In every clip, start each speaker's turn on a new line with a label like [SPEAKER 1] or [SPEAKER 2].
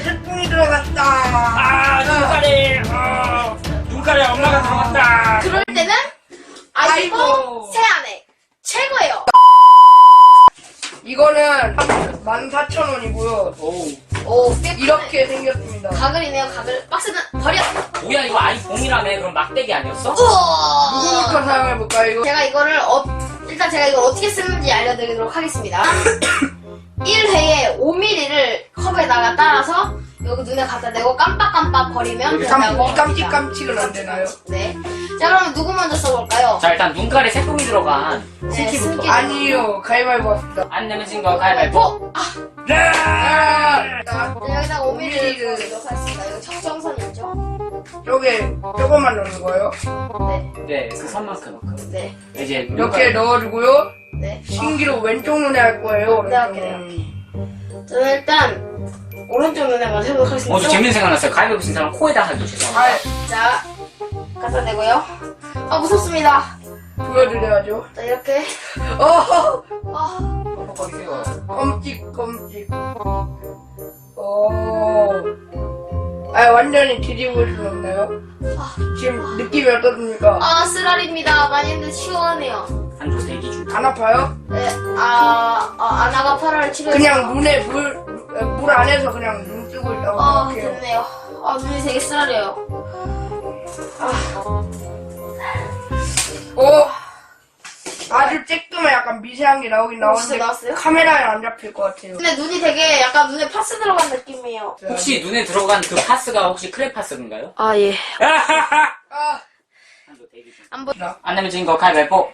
[SPEAKER 1] 태풍이 들어갔다.
[SPEAKER 2] 아, 눈가리에 엄마가 들어갔다.
[SPEAKER 3] 그럴 때는 아이고
[SPEAKER 1] 아이고.
[SPEAKER 3] 새아내 최고예요.
[SPEAKER 1] 이거는 14,000원이고요.
[SPEAKER 3] 오 꽤
[SPEAKER 1] 이렇게 생겼습니다.
[SPEAKER 3] 가글이네요. 가글. 박스는 버려.
[SPEAKER 2] 뭐야, 이거 아이봉이라며? 그럼 막대기 아니었어?
[SPEAKER 3] 우와.
[SPEAKER 1] 누구부터 사용해볼까요? 이거?
[SPEAKER 3] 제가 이거를 일단 제가 이걸 어떻게 쓰는지 알려드리도록 하겠습니다. 1회에 5mm를 컵에다가 따라서 여기 눈에 갖다 대고 깜빡깜빡 거리면 된다고 합니다.
[SPEAKER 1] 깜찍깜찍은 안 되나요?
[SPEAKER 3] 네. 자 그러면 누구 먼저 써볼까요?
[SPEAKER 2] 자, 일단 눈가리에 새똥이 들어간
[SPEAKER 3] 네,
[SPEAKER 2] 스키부터.
[SPEAKER 3] 스키.
[SPEAKER 1] 아니요, 가위바위보 합시다.
[SPEAKER 2] 안 내면 진 거 가위바위보. 네!
[SPEAKER 1] 자,
[SPEAKER 3] 자, 여기다가 5mm를
[SPEAKER 1] 5mm 를
[SPEAKER 3] 넣도록 하겠습니다. 이거 청정선 있죠?
[SPEAKER 1] 조금만 넣는 거예요.
[SPEAKER 3] 네.
[SPEAKER 2] 네, 그 선만큼.
[SPEAKER 3] 네.
[SPEAKER 2] 이제
[SPEAKER 1] 이렇게 넣어주고요.
[SPEAKER 3] 네.
[SPEAKER 1] 신기로 왼쪽 눈에 할 거예요.
[SPEAKER 3] 네, 할게요. 저는 일단 오른쪽 눈에 먼저 해보도록 하겠습니다.
[SPEAKER 2] 저 재밌는 생각 났어요. 가위바위보 친 사람 코에다 하기 죄송합니다.
[SPEAKER 3] 자, 갖다 대고요. 아, 무섭습니다.
[SPEAKER 1] 보여드려야죠.
[SPEAKER 3] 자, 이렇게.
[SPEAKER 1] 어,
[SPEAKER 3] 아,
[SPEAKER 2] 뻑뻑거리세요.
[SPEAKER 1] 껌찍껌찍. 완전히 뒤집을 수 없나요? 지금 느낌이 어떻습니까?
[SPEAKER 3] 아, 쓰라립니다. 많이 했는데 시원하네요.
[SPEAKER 2] 한조 대기 중.
[SPEAKER 1] 안 아파요?
[SPEAKER 3] 네, 아나가 8월 7일.
[SPEAKER 1] 그냥 눈에 물 안에서 그냥 눈 뜨고 있다고 생각해요.
[SPEAKER 3] 됐네요. 아, 눈이 되게 쓰라려요.
[SPEAKER 1] 아주 쬐끔한 약간 미세한 게 나오긴
[SPEAKER 3] 진짜
[SPEAKER 1] 나오는데
[SPEAKER 3] 나왔어요?
[SPEAKER 1] 카메라에 안 잡힐 것 같아요.
[SPEAKER 3] 근데 눈이 되게 약간 눈에 파스 들어간 느낌이에요.
[SPEAKER 2] 혹시 눈에 들어간 그 파스가 혹시 크레파스인가요?
[SPEAKER 3] 아, 예.
[SPEAKER 1] 아,
[SPEAKER 2] 한조 대기 중.
[SPEAKER 3] 안 보,
[SPEAKER 2] 안 내면 진 거 가위바위보.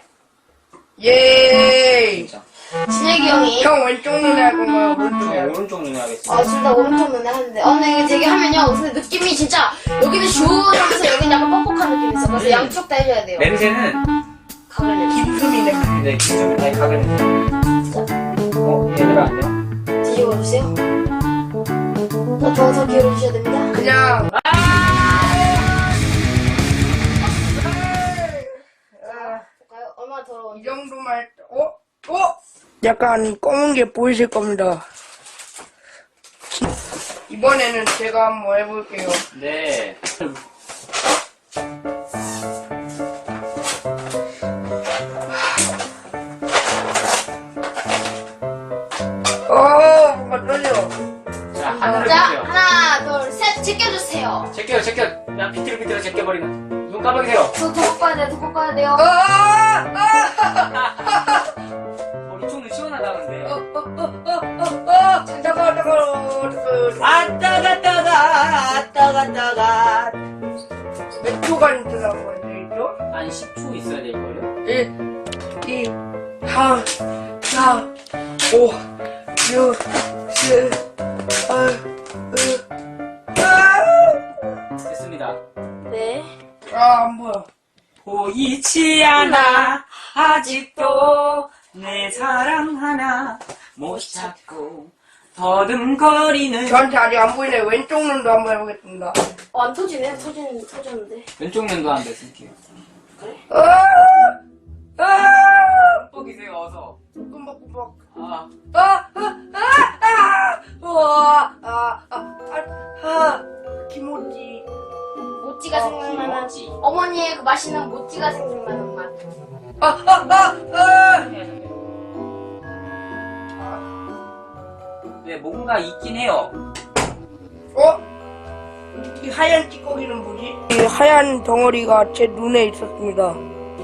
[SPEAKER 1] 예이.
[SPEAKER 2] 진짜.
[SPEAKER 3] 진혁이 형이.
[SPEAKER 1] 형 왼쪽 눈에 할 건가요? 오른쪽 눈에
[SPEAKER 2] 저
[SPEAKER 1] 할 건가요?
[SPEAKER 2] 오른쪽 눈에 하겠습니다.
[SPEAKER 3] 둘 다 오른쪽 눈에 하는데. 근데 이게 되게 하면요. 근데 느낌이 진짜, 여기는 시원하면서 여기는 약간 뻑뻑한 느낌이 있어. 그래서 양쪽 다 해줘야 돼요.
[SPEAKER 2] 냄새는
[SPEAKER 3] 가글 냄새.
[SPEAKER 1] 김수미 냄새.
[SPEAKER 2] 네, 김정은 아니 가글 냄새. 얘들아 안녕.
[SPEAKER 3] 뒤집어주세요. 더 기울여주셔야 됩니다.
[SPEAKER 1] 그냥
[SPEAKER 3] 볼까요? 얼마나 더러운지.
[SPEAKER 1] 이 정도만 약간 검은 게 보이실 겁니다. 이번에는 제가 한번 해볼게요.
[SPEAKER 2] 네.
[SPEAKER 1] 뭔가 떨려.
[SPEAKER 2] 자, 하늘을
[SPEAKER 3] 자,
[SPEAKER 2] 보세요.
[SPEAKER 3] 하나, 둘, 셋, 제껴주세요.
[SPEAKER 2] 제껴. 야, 비틀비틀 제껴버리면. 눈 감아주세요.
[SPEAKER 3] 더 꺾어야 돼요, 더 꺾어야 돼요.
[SPEAKER 2] 이쪽 눈 시원하다는데.
[SPEAKER 1] 잠깐.
[SPEAKER 2] 아, 따가.
[SPEAKER 1] 몇 초간 들어간 건데, 이죠?
[SPEAKER 2] 한 10초 있어야 될걸요?
[SPEAKER 1] 1, 2, 3, 4, 5, 6, 7, 8,
[SPEAKER 2] 됐습니다.
[SPEAKER 3] 네.
[SPEAKER 1] 안 보여.
[SPEAKER 2] 보이지 않아 아직도 내 사랑 하나 못 찾고 더듬거리는.
[SPEAKER 1] 저한테 아직 안 보이네. 왼쪽 눈도 한번 해보겠습니다.
[SPEAKER 3] 안 터지네, 터졌는데.
[SPEAKER 2] 왼쪽 눈도 안 됐을게요. 뻑뻑이세요 어서.
[SPEAKER 1] 꾸벅꾸벅.
[SPEAKER 2] 아,
[SPEAKER 1] 김오지.
[SPEAKER 3] 모찌가 생각나는,
[SPEAKER 2] 김치.
[SPEAKER 3] 어머니의 그 맛있는 모찌가 생각나는 맛.
[SPEAKER 2] 네, 뭔가 있긴 해요.
[SPEAKER 1] 이 하얀 찌꺼기는 뭐지? 이 하얀 덩어리가 제 눈에 있었습니다.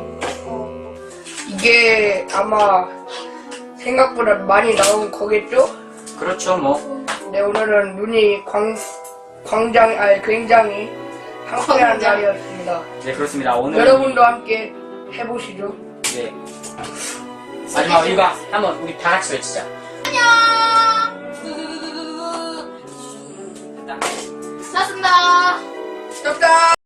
[SPEAKER 1] 이게 아마 생각보다 많이 나온 거겠죠?
[SPEAKER 2] 그렇죠 뭐.
[SPEAKER 1] 네, 오늘은 눈이 굉장히 상쾌한
[SPEAKER 3] 광장.
[SPEAKER 1] 날이었습니다.
[SPEAKER 2] 네, 그렇습니다. 오늘
[SPEAKER 1] 여러분도 함께 해보시죠.
[SPEAKER 2] 네. 마지막 이거 한번 우리 다 같이 외치자.
[SPEAKER 3] 안녕!
[SPEAKER 2] 됐다.
[SPEAKER 3] 났습니다.
[SPEAKER 1] 쩝다!